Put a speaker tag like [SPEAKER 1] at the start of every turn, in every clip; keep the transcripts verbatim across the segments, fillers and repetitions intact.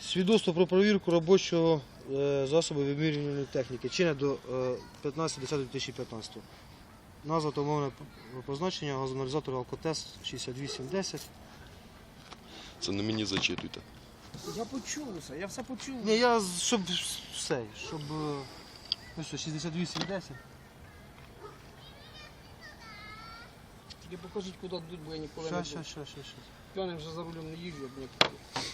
[SPEAKER 1] Свідоцтво про перевірку робочого е, засобу вимірювальної техніки. Чинне до п'ятнадцятого десятого дві тисячі п'ятнадцятого. Назва та умовне позначення газоаналізатора Алкотест шістдесят вісім десять.
[SPEAKER 2] Це не мені зачитуйте.
[SPEAKER 3] Я почув все, я все почув.
[SPEAKER 1] Ні, я щоб все, щоб е, ну що, шістдесят вісім десять.
[SPEAKER 3] Тільки покажіть, куди йдуть, бо я ніколи
[SPEAKER 1] Щас,
[SPEAKER 3] не був.
[SPEAKER 1] щас, щас, щас, щас.
[SPEAKER 3] П'яним вже за рулем не їжджу, як ніколи.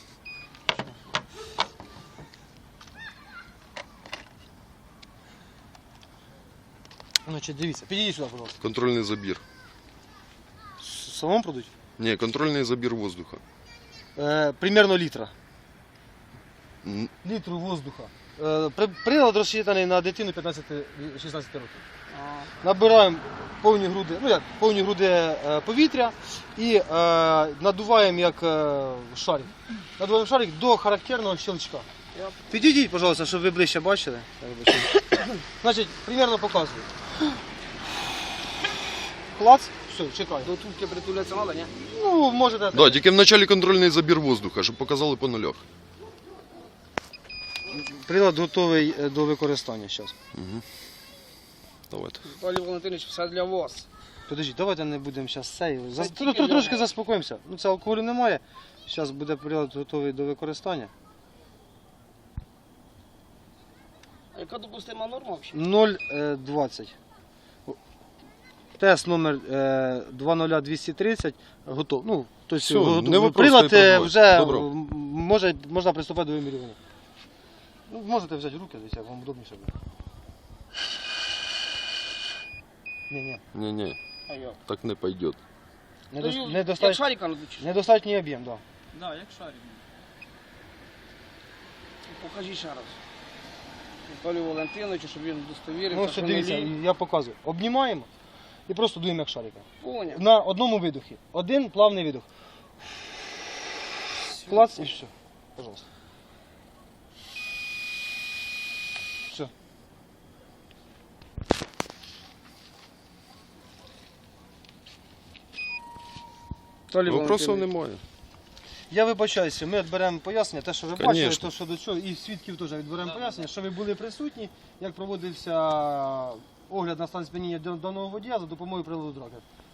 [SPEAKER 1] Значить, дивіться, підійдіть сюди, будь ласка.
[SPEAKER 2] Контрольний забір.
[SPEAKER 1] Самому продуть?
[SPEAKER 2] Ні, контрольний забір воздуха.
[SPEAKER 1] Е, примерно літра.
[SPEAKER 2] М,
[SPEAKER 1] Літру воздуха. Е, при- прилад розчитаний на дитину п'ятнадцяти-шістнадцяти років.
[SPEAKER 3] А,
[SPEAKER 1] Набираємо повні груди, ну як, повні груди е, повітря і е, надуваємо як е, шарик. Надуваємо шарик до характерного щелчка.
[SPEAKER 3] я...
[SPEAKER 1] Підійдіть, пожалуйста, щоб ви ближче бачили. Так, бачите. Значить, примерно показую. Клац, все, чекай.
[SPEAKER 3] До тульки притулятися треба, ні?
[SPEAKER 1] Ну, можете.
[SPEAKER 2] Да, тільки в началі контрольний забір воздуха, щоб показали по нулях.
[SPEAKER 1] Прилад готовий е, до використання зараз.
[SPEAKER 2] Угу. Давайте.
[SPEAKER 3] Віталій Валентинович, все для вас.
[SPEAKER 1] Подождіть, давайте не будемо зараз цей. Зас...
[SPEAKER 3] тільки
[SPEAKER 1] Тр- тр-
[SPEAKER 3] для
[SPEAKER 1] Трошки
[SPEAKER 3] вас.
[SPEAKER 1] заспокоїмося. Ну, це алкоголю немає. Зараз буде прилад готовий до використання.
[SPEAKER 3] А яка допустима норма взагалі?
[SPEAKER 1] нуль двадцять. Тест номер два нуль двісті тридцять готов. Ну, тобто,
[SPEAKER 2] Все,
[SPEAKER 1] готов-
[SPEAKER 2] не вопрос,
[SPEAKER 1] прилад
[SPEAKER 2] не
[SPEAKER 1] е,
[SPEAKER 2] проблема.
[SPEAKER 1] вже
[SPEAKER 2] Добро.
[SPEAKER 1] м, може, можна приступати до вимірювання. Ну, можете взяти руки, десь, як вам удобніше буде. Ні, ні.
[SPEAKER 2] Ні-ні,
[SPEAKER 3] А як?
[SPEAKER 2] так не пойде.
[SPEAKER 1] Недос...
[SPEAKER 3] Як
[SPEAKER 1] Недостатньо...
[SPEAKER 3] шарика надучиш?
[SPEAKER 1] Недостатній об'єм, так. Да.
[SPEAKER 4] Да, як шарик.
[SPEAKER 3] Покажи ще раз. Віталій Валентиновичу, щоб він удостовірився,
[SPEAKER 1] Ну, все,
[SPEAKER 3] що
[SPEAKER 1] дивіться,
[SPEAKER 3] нулі.
[SPEAKER 1] я показую. Обнімаємо і просто дуємо як шарика.
[SPEAKER 3] Поняв.
[SPEAKER 1] На одному видохі. Один плавний видох. Клац і все. Пожалуйста. Все.
[SPEAKER 3] Віталій
[SPEAKER 2] Вопросів
[SPEAKER 3] Валентинович.
[SPEAKER 2] немає.
[SPEAKER 1] Я вибачаюся, ми відберемо пояснення, те, що ви бачили,
[SPEAKER 2] Конечно.
[SPEAKER 1] то, що до цього, і свідків теж відберемо пояснення, що ви були присутні, як проводився огляд на стан сп'яніння даного водія за допомогою приладу Драгер.